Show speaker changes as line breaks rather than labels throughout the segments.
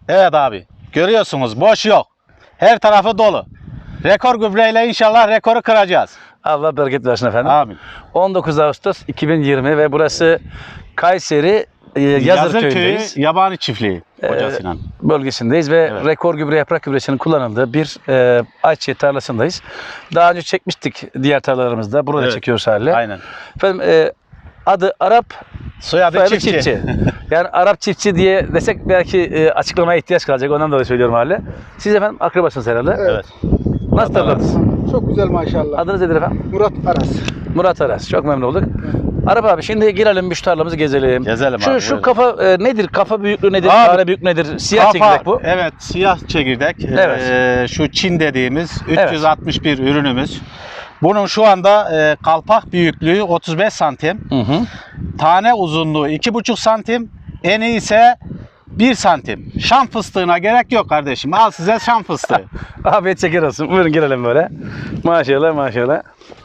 Evet abi. Görüyorsunuz boş yok. Her tarafı dolu. Rekor gübreyle inşallah rekoru kıracağız.
Allah bereket versin efendim.
Amin.
19 Ağustos 2020 ve burası Kayseri Yazır köyündeyiz.
Yabani Çiftliği Hoca Sinan.
Bölgesindeyiz ve
Evet.
rekor gübre yaprak gübresinin kullanıldığı bir ayçiçeği tarlasındayız. Daha önce çekmiştik diğer tarlalarımızda. Burada
Evet.
çekiyoruz haliyle.
Aynen.
Efendim adı Arap,
Soyadı
soyadı
çiftçi.
Yani Arap çiftçi diye desek belki açıklamaya ihtiyaç kalacak. Ondan dolayı söylüyorum haliyle. Siz efendim akrabasınız herhalde.
Evet.
Nasıl tarlanız?
Çok güzel maşallah.
Adınız nedir efendim?
Murat Aras.
Murat Aras. Çok memnun olduk. Arap abi şimdi girelim bir şu tarlamızı gezelim.
Gezelim
şu,
abi,
Şu
buyurun.
kafa nedir? Kafa büyüklüğü nedir?
Abi,
Tane büyüklüğü nedir? Siyah çekirdek bu.
Evet, siyah çekirdek.
Evet.
Şu Çin dediğimiz
Evet.
361 ürünümüz. Bunun şu anda kalpak büyüklüğü 35 santim.
Hı hı.
Tane uzunluğu 2,5 santim. Eni ise 1 santim. Şam fıstığına gerek yok kardeşim. Al size şam fıstığı.
Afiyet şeker olsun. Buyurun girelim böyle. Maşallah maşallah.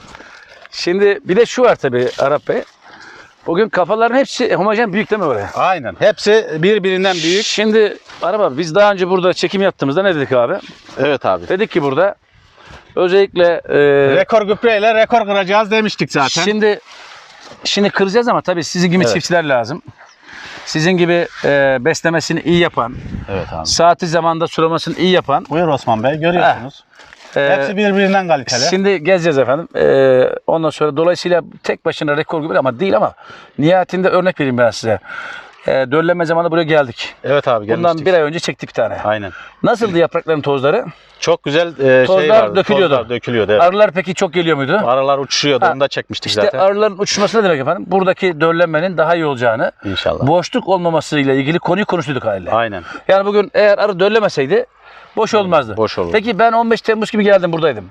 Şimdi bir de şu var tabii Arap Bey. Bugün kafaların hepsi homojen büyük değil mi böyle?
Aynen. Hepsi birbirinden büyük.
Şimdi Arap abi biz daha önce burada çekim yaptığımızda ne dedik abi?
Evet abi.
Dedik ki burada özellikle
Rekor gübreyle rekor kıracağız demiştik zaten.
Şimdi kıracağız ama tabii sizin gibi
Evet.
çiftçiler lazım. Sizin gibi beslemesini iyi yapan,
Evet abi.
saati zamanda sulamasını iyi yapan.
Buyur Osman Bey, görüyorsunuz.
e,
Hepsi birbirinden kaliteli.
Şimdi gezeceğiz efendim. Ondan sonra dolayısıyla tek başına rekor gibi ama değil ama nihayetinde örnek vereyim ben size. Dölleme zamanında buraya geldik.
Evet abi, gelmiştik.
Bundan bir ay önce çektik bir tane.
Aynen.
Nasıldı yaprakların tozları?
Çok güzel
Tozlar
şey vardı.
dökülüyordu.
Tozlar dökülüyordu. Evet.
Arılar peki çok geliyor muydu?
Aralar uçuşuyordu.
Ha,
Onu da çekmiştik
İşte
zaten.
arıların uçuşması ne demek efendim? Buradaki döllenmenin daha iyi olacağını,
İnşallah.
boşluk olmamasıyla ilgili konuyu konuştuk haliyle.
Aynen.
Yani bugün eğer arı döllemeseydi boş olmazdı.
boş olurdu.
Peki ben 15 Temmuz gibi geldim buradaydım.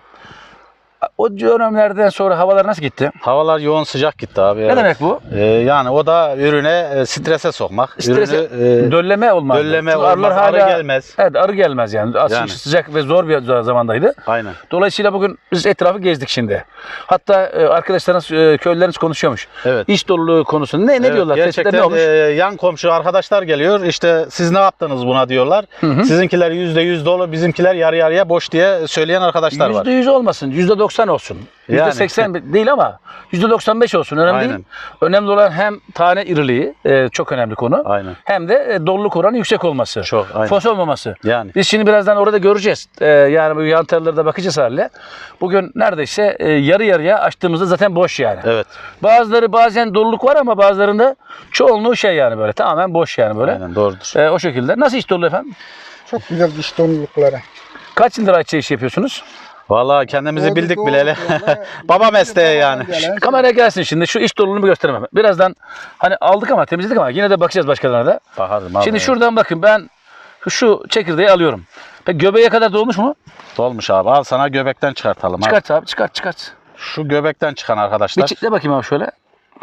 O dönemlerden sonra havalar nasıl gitti?
Havalar yoğun sıcak gitti abi.
Ne demek bu?
Yani o da ürüne strese sokmak.
Strese,
Ürünü,
dölleme olmaz.
dölleme
Çünkü
olmaz, arı gelmez.
Evet, arı gelmez yani. Aslında
Yani.
sıcak ve zor bir zamandaydı.
Aynen.
Dolayısıyla bugün biz etrafı gezdik şimdi. Hatta arkadaşlarınız, köylüleriniz konuşuyormuş.
Evet.
İş doluluğu konusunda. Ne
Evet,
diyorlar? Tespitler
gerçekten
ne olmuş?
yan komşu arkadaşlar geliyor. İşte siz ne yaptınız buna diyorlar. Sizinkiler %100 dolu, bizimkiler yarı yarıya boş diye söyleyen arkadaşlar var.
%100 olmasın, %90 olsun.
Yani.
%80 değil ama %95 olsun. Önemli
Aynen.
değil. Önemli olan hem tane iriliği, çok önemli konu.
Aynen.
Hem de doluluk oranı yüksek olması.
Çok, aynen.
Fos olmaması.
Yani.
Biz şimdi birazdan orada göreceğiz. Yani bu yan tarlalara da bakacağız haliyle. Bugün neredeyse yarı yarıya açtığımızda zaten boş yani.
Evet.
Bazıları bazen doluluk var ama bazılarında çoğunluğu şey yani böyle tamamen boş yani böyle.
Aynen, doğrudur.
O şekilde. Nasıl iş dolu efendim?
Çok güzel diş dolulukları.
Kaç yıldır ayçiçeği işi yapıyorsunuz?
Vallahi kendimizi
Doğru,
bildik
doğru
bileli.
yani.
Baba mesleği yani.
Babadan gelen.
Kameraya gelsin şimdi. Şu iş doluluğunu bir göstereyim hemen. Birazdan hani aldık ama temizledik ama yine de bakacağız başkalarına da.
Bakarım abi.
Şimdi şuradan bakın ben şu çekirdeği alıyorum. Peki göbeğe kadar dolmuş mu?
Dolmuş abi. Al sana göbekten çıkartalım abi.
Çıkart abi çıkart.
Şu göbekten çıkan
Bir
arkadaşlar.
çekle bakayım abi şöyle.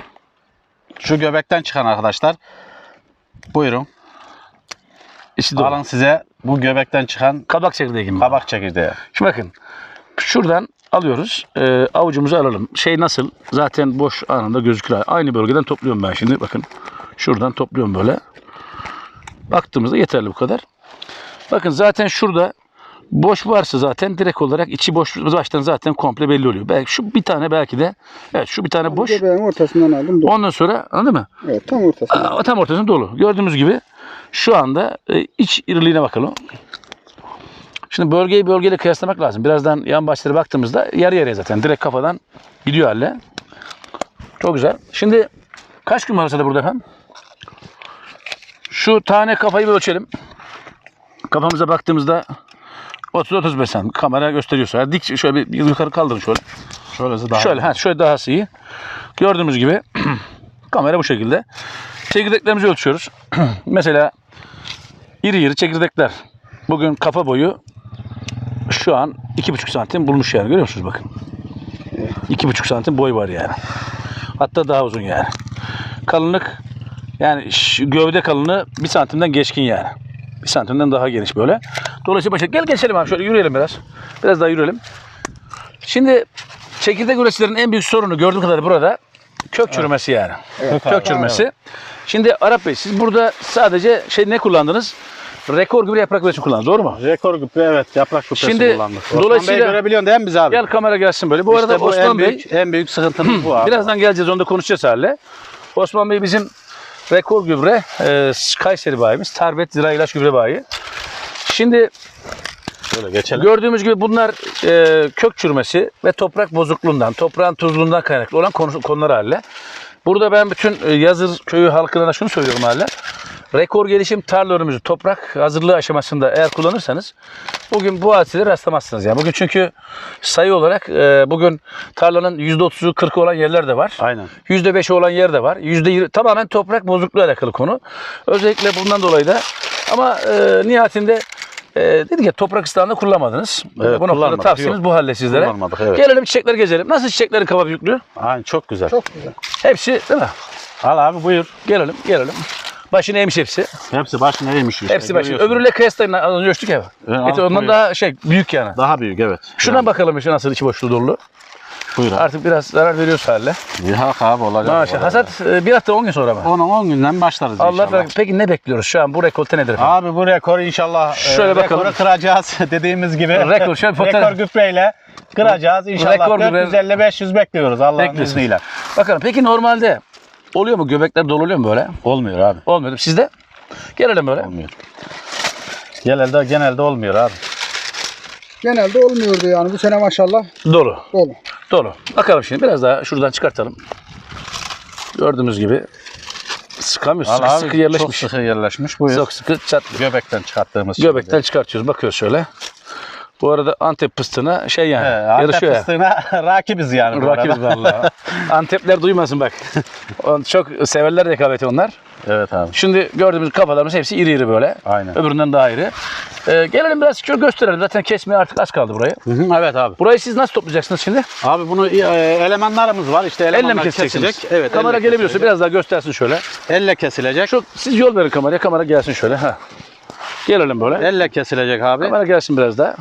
Şu göbekten çıkan arkadaşlar. Buyurun.
İçi dolu.
Alın size bu göbekten çıkan
Kabak çekirdeği gibi.
kabak çekirdeği.
Şimdi bakın. Şuradan alıyoruz. Avucumuzu alalım. Şey nasıl? Zaten boş anında gözükür. Aynı bölgeden topluyorum ben şimdi. Bakın. Şuradan topluyorum böyle. Baktığımızda yeterli bu kadar. Bakın zaten şurada boş varsa zaten direkt olarak içi boş baştan zaten komple belli oluyor. Belki şu bir tane belki de evet şu bir tane boş.
Göbeğin ortasından aldım. Dolu.
Ondan sonra anladın mı?
Evet, tam ortasından.
Tam ortasında dolu. Gördüğümüz gibi şu anda iç iriliğine bakalım. Şimdi bölgeyi bölgeyle kıyaslamak lazım. Birazdan yan başlara baktığımızda yarı yarıya zaten direkt kafadan gidiyor halle. Çok güzel. Şimdi kaç gün var arasında burada efendim? Şu tane kafayı bir ölçelim. Kafamıza baktığımızda 30-35 santim. Kamera gösteriyorsa. Yani dik şöyle bir yukarı kaldırın şöyle.
Şöylesi daha.
Şöyle daha iyi. Gördüğümüz gibi kamera bu şekilde. Çekirdeklerimizi ölçüyoruz. Mesela iri çekirdekler. Bugün kafa boyu şu an 2,5 santim bulmuş yani. Görüyor musunuz bakın. 2,5 santim boy var yani. Hatta daha uzun yani. Kalınlık yani gövde kalınlığı 1 santimden geçkin yani. 1 santimden daha geniş böyle. Dolayısıyla gel geçelim abi şöyle yürüyelim biraz. Biraz daha yürüyelim. Şimdi çekirdek üreticilerin en büyük sorunu gördüğüm kadarıyla burada kök çürümesi yani.
Evet.
Kök çürümesi. Şimdi Arap Bey siz burada sadece ne kullandınız? rekor gübre yaprak gübresi kullandı. Doğru mu?
Rekor gübre, evet, yaprak gübresi
Şimdi,
kullandık. Osman
dolayısıyla-
Bey görebiliyorsun değil mi biz abi?
Gel kamera gelsin böyle. Bu arada
İşte bu
Osman Bey
en büyük sıkıntımız bu abi.
birazdan geleceğiz, onu da konuşacağız hale. Osman Bey bizim rekor gübre Kayseri bayimiz. Tarbet Zira İlaç Gübre bayi. Şimdi
Şöyle geçelim.
gördüğümüz gibi bunlar kök çürümesi ve toprak bozukluğundan, toprağın tuzluğundan kaynaklı olan konular haline. Burada ben bütün Yazır köyü halkına şunu söylüyorum haline. Rekor gelişim tarla ürünümüzü toprak hazırlığı aşamasında eğer kullanırsanız bugün bu hadiselere rastlamazsınız. Yani bugün çünkü sayı olarak bugün tarlanın %30'u 40'ı olan yerler de var.
Aynen.
%5'i olan yer de var. %20 tamamen toprak bozukluğu alakalı konu. Özellikle bundan dolayı da ama nihayetinde dedik ya toprak ıslahını kullanmadınız.
Evet,
Bu noktada
kullanmadık.
tavsiyemiz
Yok.
bu halde sizlere.
Kullanmadık, evet.
Gelelim çiçekleri gezelim. Nasıl çiçeklerin kaba büyüklüğü?
Aynen, çok güzel.
Çok güzel.
Hepsi değil mi?
Al abi, buyur.
Gelelim. Başını eğmiş hepsi.
Hepsi başına eğmiş işte.
Hepsi başını.
görüyorsun.
Öbürüyle kıyaslayın. Az önce ölçtük ya.
Evet,
Ondan
buyur.
daha büyük yani.
Daha büyük, evet.
Şuna bakalım işte nasıl içi boşluğu dolu.
Buyur abi.
Artık biraz zarar veriyoruz haline.
Yok abi, olacak.
Maşallah. Hasat bir hafta 10 gün sonra mı?
10 günden başlarız
Allah
inşallah.
bereket. Peki ne bekliyoruz şu an? Bu rekolte nedir efendim?
Abi bu rekoru inşallah
Şöyle bakalım.
rekoru kıracağız dediğimiz gibi.
Rekor, şöyle fotoğraf-
Rekor gübreyle kıracağız inşallah.
Rekor gübre-
450-500 bekliyoruz Allah'ın
Bekliyorsunuz.
izniyle.
Bakalım peki normalde oluyor mu? Göbekler dolu oluyor mu böyle?
Olmuyor abi.
Olmuyor. Sizde? Gelelim böyle.
Olmuyor. Genelde olmuyor abi.
Genelde olmuyordu yani. Bu sene maşallah
Dolu.
dolu.
Dolu. Bakalım şimdi biraz daha şuradan çıkartalım. Gördüğümüz gibi sıkamıyor.
Al
Sıkı,
abi,
sıkı yerleşmiş.
Çok sıkı yerleşmiş. Buyur.
Çok sıkı çat.
Göbekten çıkarttığımız
Göbekten çıkartıyoruz. Bakıyoruz şöyle. Bu arada Antep fıstığına yani. Yarışıyor ya.
fıstığına rakibiz yani. bu
Rakibiz
arada.
vallahi. Antepler duymasın bak. Çok severler rekabeti onlar.
Evet abi.
Şimdi gördüğümüz kafalarımız hepsi iri iri böyle.
Aynen.
Öbüründen daha iri. Gelelim biraz şöyle gösterelim. Zaten kesmeye artık az kaldı burayı.
Evet abi.
Burayı siz nasıl toplayacaksınız şimdi?
Abi bunu elemanlarımız var. İşte
Elle
elemanlar
mi keseceksiniz?
kesilecek. Evet.
Kamera
elle
gelebiliyorsa
kesilecek.
biraz daha göstersin şöyle.
Elle kesilecek.
Siz yol verin kameraya. Kamera gelsin şöyle. Ha. Gelelim böyle.
Elle kesilecek abi.
Kamera gelsin biraz daha.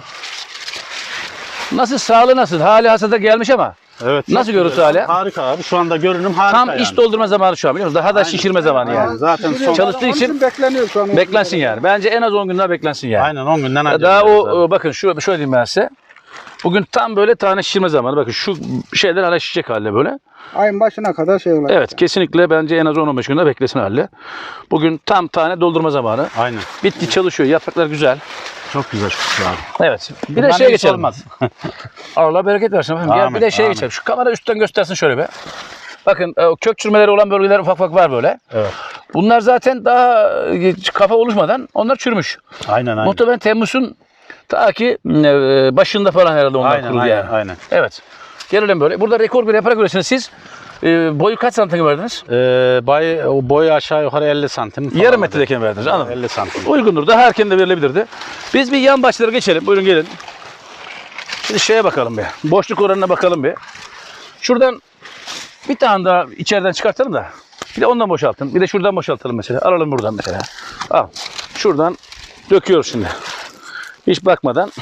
Nasıl, sağlığı nasıl? Hali hasada gelmiş ama.
Evet.
Nasıl
çok
görüntü
güzel.
hali?
Harika abi. Şu anda görünüm harika
Tam
yani.
iç doldurma zamanı şu an biliyor musunuz? Daha da şişirme zamanı yani.
Zaten son...
Çalıştığı
Onun
için
bekleniyor şu an.
beklensin yani. Bence en az 10 gün daha beklensin yani.
Aynen 10 günden önce.
Daha
zaten.
bakın şöyle diyeyim ben size. Bugün tam böyle tane şişirme zamanı. Bakın şu şeyler hala şişecek halde böyle.
Ayın başına kadar şey olacak.
Evet kesinlikle bence en az 10-15 günde beklesin halde. Bugün tam tane doldurma zamanı.
Aynen.
Bitki çalışıyor. Yapraklar güzel.
Çok güzel şu abi.
Evet. Bir de
Bundan
şeye
iyisi
geçelim.
olmaz.
Allah bereket versin efendim. Gel bir
Amin,
de şeye
amin.
geçelim. Şu kamera üstten göstersin şöyle be. Bakın kök çürümeleri olan bölgeler ufak ufak var böyle.
Evet.
Bunlar zaten daha kafa oluşmadan onlar çürümüş.
Aynen aynen.
Muhtemelen Temmuz'un ta ki başında falan herhalde onlar
Aynen
kuruldu
aynen,
yani.
aynen.
Evet. Gelelim böyle. Burada rekor bir yaprak üretiyorsunuz siz. Boyu kaç santim verdiniz?
Boyu aşağı yukarı 50 santim. falan.
Yarım metredeyken verdiniz. Anladım.
50 santim.
Uygundur. Daha erken de verilebilirdi. Biz bir yan başlara geçelim. Buyurun gelin. Şimdi şeye bakalım bir. Boşluk oranına bakalım bir. Şuradan bir tane daha içeriden çıkartalım da. Bir de ondan boşaltın. Bir de şuradan boşaltalım mesela. Alalım buradan mesela. Al. Şuradan döküyoruz şimdi. Hiç bakmadan.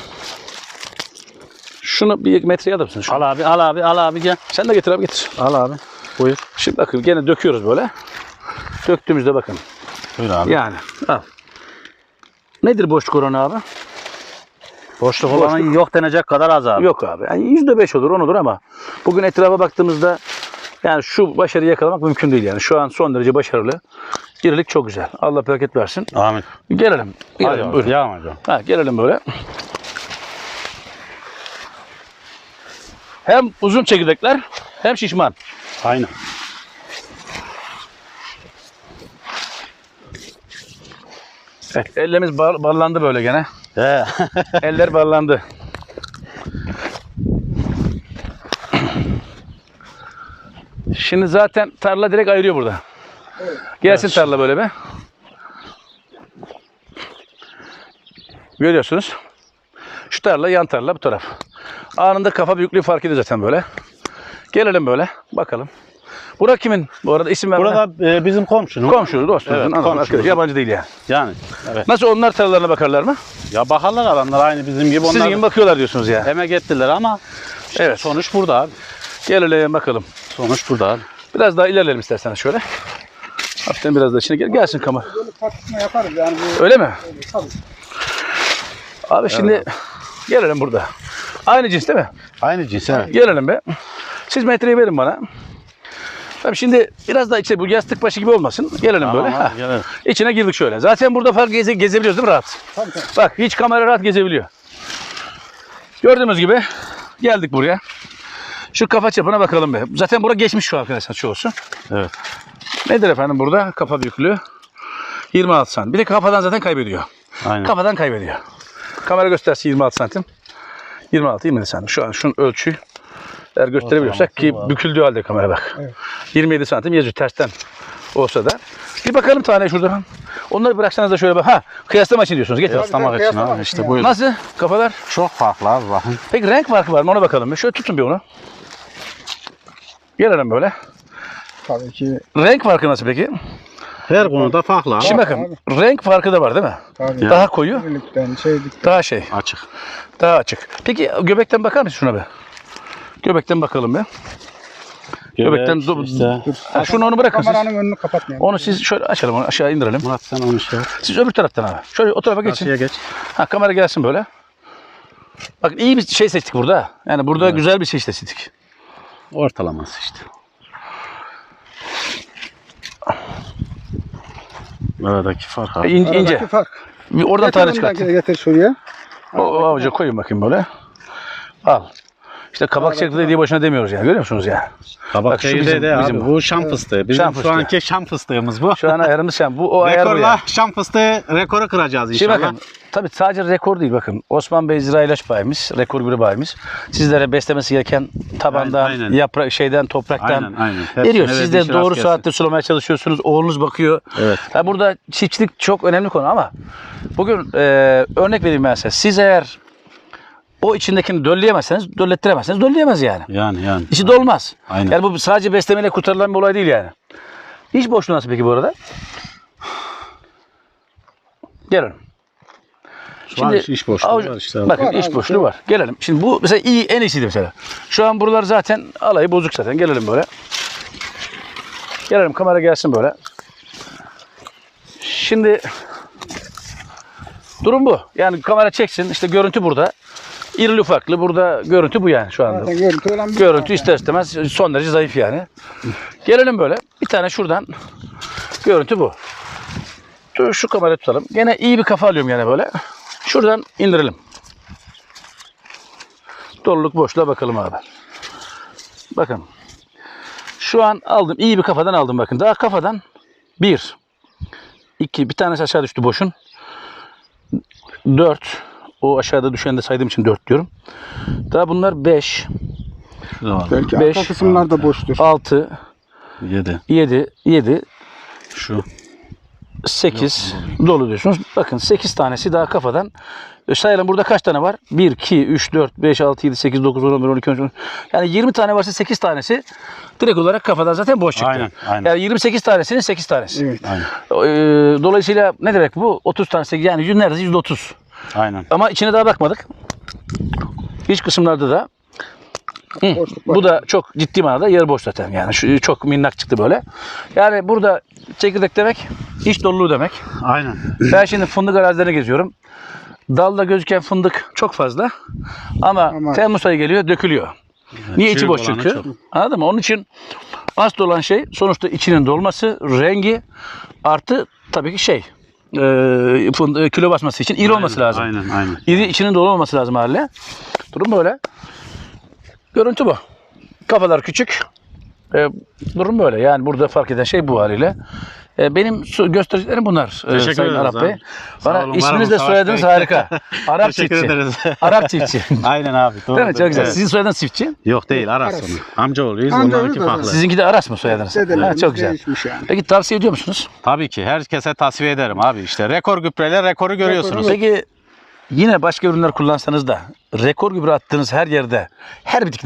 Şunu bir metreye alır mısın?
Al abi, al abi, al abi gel.
Sen de getir abi getir.
Al abi. Buyur.
Şimdi bakın gene döküyoruz böyle. Döktüğümüzde bakın.
Buyur abi.
Yani al. Nedir boşluk oranı abi?
Boşluk olanı yok denecek kadar az abi.
Yok abi. Yani %5 olur, 10 olur ama bugün etrafa baktığımızda yani şu başarıyı yakalamak mümkün değil yani. Şu an son derece başarılı. İrilik çok güzel. Allah bereket versin.
Amin.
Gelelim. Gelelim.
Hadi
Buyurun.
devam hocam.
Ha, gelelim böyle. Hem uzun çekirdekler hem şişman.
Aynen.
Evet, ellerimiz ballandı böyle gene.
He.
Eller ballandı. Şimdi zaten tarla direkt ayırıyor burada. Gelsin tarla böyle be. Görüyorsunuz. Şu tarla, yan tarla bu taraf. Anında kafa büyüklüğü fark ediyor zaten böyle. Gelelim böyle bakalım. Bura kimin? Bu arada isim vermeden.
Burada bizim komşunun.
Komşu, dostumuzun,
Evet,
anladım,
komşumuz.
arkadaş. Yabancı değil yani.
Yani. Evet.
Nasıl onlar tarlalarına bakarlar mı?
Ya bakarlar adamlar aynı bizim gibi.
Sizin
Onlar
gibi bakıyorlar diyorsunuz ya.
emek ettiler ama işte
Evet.
sonuç burada abi.
Gelelim bakalım.
Sonuç burada abi.
Biraz daha ilerleyelim isterseniz şöyle. Hafiften biraz da içine gelsin kamera.
Böyle tartışma yaparız yani. Bu,
Öyle mi?
tabii.
Abi şimdi gelelim burada. Aynı cins değil mi?
Aynı cins evet.
Gelelim be. Siz metreyi verin bana. Tabii şimdi biraz da içe bu yastık başı gibi olmasın. Gelelim böyle.
Tamam,
Ha.
gelelim.
İçine girdik şöyle. Zaten burada fark gezebiliyoruz değil mi rahat?
Tabii tabii.
Bak hiç kamera rahat gezebiliyor. Gördüğünüz gibi geldik buraya. Şu kafa çapına bakalım be. Zaten bura geçmiş şu arkadaşlar çoğusu.
Evet.
Nedir efendim burada? Kafa büyüklüğü 26 santim. Bir de kafadan zaten kaybediyor.
Aynen.
Kafadan kaybediyor. Kamera gösterse 26 santim. 26-27 santim. Şu an şunun ölçüyü eğer gösterebiliyorsak ki büküldüğü halde kamera bak.
Evet.
27 santim yazıyor tersten olsa da. Bir bakalım tane şuradan. Onları bıraksanız da şöyle bak. Ha kıyaslama için diyorsunuz. Getir.
Kıyaslamak için
Kıyaslamak
abi
için
işte
yani.
buyurun.
Nasıl kafalar?
Çok farklı abi bakın.
Peki renk farkı var mı ona bakalım. Şöyle tutun bir onu. Gelelim böyle.
Tabii ki.
Renk farkı nasıl peki?
Her konuda farklı abi.
Şimdi bakın renk farkı da var değil mi?
Tabii.
Daha koyu,
Birlikten şeydik.
daha şey,
Açık.
daha açık. Peki göbekten bakar mısın şuna be? Göbekten bakalım be. Göbekten
işte.
Ha, şunu onu bırakın siz.
Kameranın önünü kapatmayalım.
Onu siz şöyle açalım onu aşağı indirelim.
Murat sen onu şey yap.
Siz öbür taraftan abi. Şöyle o tarafa geçin.
Karşıya geç.
Ha kamera gelsin böyle. Bak iyi bir şey seçtik burada. Yani burada güzel bir şey seçtik.
Ortalaması işte. Aradaki fark abi.
İnce.
Aradaki fark.
Bir oradan tane çıkart.
Getir şuraya.
O avuca koyun bakayım böyle. Al. İşte kabak çekirdeği diye boşuna demiyoruz yani. Görüyor musunuz ya?
Kabak
Bak şu
çekirdeği de
bizim-
abi. Bu şam fıstığı. Bizim
Şam
şu
fıstığı.
anki şam fıstığımız bu.
Şu an ayarımız sen. Bu o ayar bu
Rekorla
ya.
şam fıstığı rekoru kıracağız
Şimdi
inşallah.
bakın. Tabii sadece rekor değil bakın. Osman Bey Zira İlaç bayimiz, rekor bir bayimiz. Sizlere beslemesi gereken tabandan,
Aynen.
yaprak şeyden, topraktan
Aynen.
veriyor.
Hepsine
Siz
verdiği
de
şey
doğru
rast
saatte sulamaya çalışıyorsunuz. Oğlunuz bakıyor.
Evet.
Ha, burada çiftçilik çok önemli konu ama bugün örnek vereyim ben size. Siz eğer o içindekini dölleyemezseniz, döllettiremezseniz dölleyemez yani.
Yani.
İşi de olmaz.
Aynen.
Yani bu sadece beslemeyle kurtarılan bir olay değil yani. İş boşluğu nasıl peki bu arada? Gelin.
Şu an iş boşluğu var işte.
Bakın
Var
iş
abi,
boşluğu
şey
var. Gelelim. Şimdi bu mesela iyi, en iyisiydi mesela. Şu an buralar zaten alayı bozuk zaten. Gelelim böyle. Gelelim kamera gelsin böyle. Şimdi durum bu. Yani kamera çeksin. İşte görüntü burada. İrili ufaklı. Burada görüntü bu yani şu anda.
Zaten görüntü olan bir
Görüntü ister istemez son derece zayıf yani. Gelelim böyle. Bir tane şuradan. Görüntü bu. Şu kamerayı tutalım. Gene iyi bir kafa alıyorum yani böyle. Şuradan indirelim. Doluluk boşluğa bakalım abi. Bakın. Şu an aldım. İyi bir kafadan aldım bakın. Daha kafadan 1, 2, bir tanesi aşağı düştü boşun. 4. O aşağıda düşeni de saydığım için 4 diyorum. Daha bunlar 5,
Belki
5,
arka kısımlar da boştur.
6,
7.
7,
Şu.
8 dolu diyorsunuz. Bakın 8 tanesi daha kafadan. Sayalım burada kaç tane var? 1, 2, 3, 4, 5, 6, 7, 8, 9, 10, 11, 12, 13. Yani 20 tane varsa 8 tanesi direkt olarak kafadan zaten boş çıktı.
Aynen.
Yani 28 tanesinin 8 tanesi.
Evet.
Aynen.
Dolayısıyla ne demek bu? 30 tanesi yani neredeyse %30.
Aynen.
Ama içine daha bakmadık. İç kısımlarda da
Boşluk var.
bu da çok ciddi manada yer boş zaten. Yani şu çok minnak çıktı böyle. Yani burada çekirdek demek iç doluluğu demek.
Aynen.
Ben şimdi fındık arazilerine geziyorum. Dalda gözüken fındık çok fazla. Ama Temmuz ayı geliyor dökülüyor. Niye içi
çürük
boş
olanı
çünkü?
çok.
Anladın mı? Onun için asıl olan şey sonuçta içinin dolması, rengi artı tabii ki şey kilo basması için iri olması lazım.
Aynen.
İri içinin dolu olması lazım haliyle. Durum böyle. Görüntü bu. Kafalar küçük. Durum böyle. Yani burada fark eden şey bu haliyle. Benim göstericilerim bunlar.
Teşekkür
Sayın
ederiz
Arap Bey.
abi. Sağ
Bana
olun,
isminiz
var
de
olun,
soyadınız
Savaş Bey.
harika. Arap
Teşekkür
çiftçi.
ederiz.
Arap çiftçi.
Aynen abi. Doğru.
Değil mi? Çok güzel.
Evet.
Sizin soyadınız çiftçi.
Yok değil Aras
Aras.
onu. Amcaoğluyuz.
Amcaoğlu
Onlarınki
da
farklı.
zaten.
Sizinki de Aras mı soyadınız?
Dedelerimiz
Ha, çok güzel.
değişmiş yani.
Peki tavsiye ediyor musunuz?
Tabii ki herkese tavsiye ederim abi. İşte rekor gübreler rekoru görüyorsunuz.
Peki yine başka ürünler kullansanız da rekor gübre attığınız her yerde, her bitkide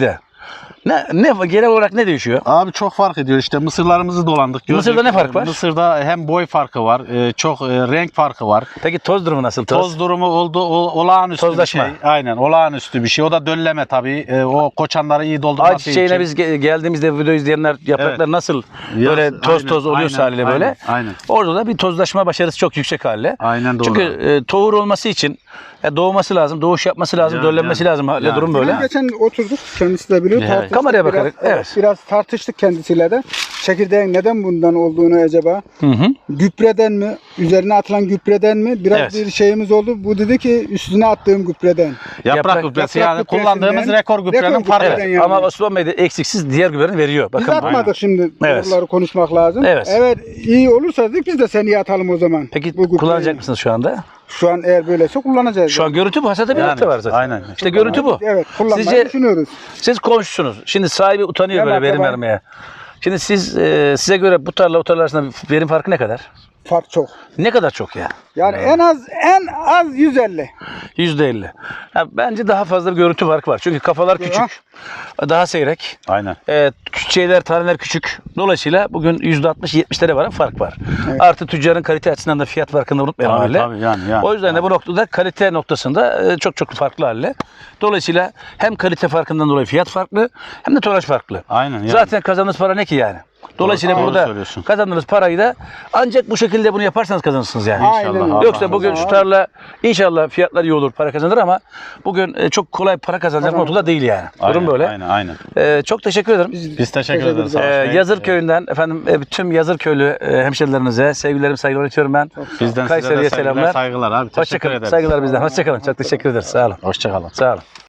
Ne genel olarak ne değişiyor?
Abi çok fark ediyor. İşte mısırlarımızı dolandık. gördük.
Mısır'da ne fark var?
Mısır'da hem boy farkı var, çok renk farkı var.
Peki toz durumu nasıl?
Toz durumu olağanüstü
Tozlaşma.
bir şey. Aynen, olağanüstü bir şey. O da dölleme tabii. O koçanları iyi doldurması
Ayçiçeğine
için.
biz geldiğimizde video izleyenler yapraklar
Evet.
nasıl böyle toz
Aynen,
oluyorsa haliyle böyle.
Aynen.
Orada da bir tozlaşma başarısı çok yüksek haliyle.
Aynen doğru.
Çünkü tohur olması için doğması lazım, doğuş yapması lazım,
Yani,
döllenmesi lazım.
yani.
Durum böyle.
Geçen oturduk, kendisi de biliyor.
Evet.
Tartıştık
Kameraya
biraz,
bakarak, evet.
Biraz tartıştık kendisiyle de. Çekirdeğin neden bundan olduğunu acaba?
Hı hı.
Gübreden mi? Üzerine atılan gübreden mi? Biraz
Evet.
bir şeyimiz oldu. Bu dedi ki üstüne attığım gübreden.
Yaprak gübresi yani
gübresinden-
kullandığımız rekor gübrenin
rekor
farkı.
gübreden
Evet.
yani.
Ama Osman Bey de eksiksiz diğer gübreleri veriyor.
Biz
Bakın.
atmadık şimdi.
Evet.
Doğruları konuşmak lazım.
Evet.
Eğer iyi olursa dedik biz de seni atalım o zaman.
Peki
Bu gübreyi.
kullanacak mısınız şu anda?
Şu an eğer böyleyse kullanacağız.
Şu an görüntü bu. Hasada bir
Yani,
nokta var zaten.
aynen.
İşte görüntü bu.
Evet, kullanmayı
Sizce-
düşünüyoruz.
Siz komşusunuz. Şimdi sahibi utanıyor
Gel
böyle verim
akraba.
vermeye. Şimdi size göre bu tarla o tarla arasında verim farkı ne kadar?
Fark çok.
Ne kadar çok ya?
Yani en az 150.
%50. Ya bence daha fazla bir görüntü farkı var. Çünkü kafalar küçük. Daha seyrek.
Aynen.
Taneler küçük. Dolayısıyla bugün %60-70'lere varan fark var.
Evet.
Artı tüccarın kalite açısından da fiyat farkını unutmayalım
Tabii,
haliyle.
tabii, yani.
O yüzden de bu noktada kalite noktasında çok farklı haliyle. Dolayısıyla hem kalite farkından dolayı fiyat farklı hem de tonaj farklı.
Aynen, yani.
Zaten kazandığınız para ne ki yani? Dolayısıyla
Doğru
burada
söylüyorsun.
kazandığınız parayı da ancak bu şekilde bunu yaparsanız kazanırsınız yani.
Aynen öyle.
Yoksa bugün şu tarla inşallah fiyatlar iyi olur, para kazanır ama bugün çok kolay para kazanacak noktada değil yani. Durum böyle.
Aynen.
Çok teşekkür ederim.
Biz teşekkür ederiz. Savaş Bey.
Yazır köyünden efendim tüm Yazır köylü hemşerilerimize sevgilerimi, saygılarımı iletiyorum ben.
Bizden
Kayseri'ye
size de
selamlar.
saygılar abi. Teşekkür
Hoşçakalın.
ederiz.
Saygılar bizden. Hoşçakalın. Çok teşekkür ederiz. Sağ olun.
Hoşçakalın.
Sağ olun.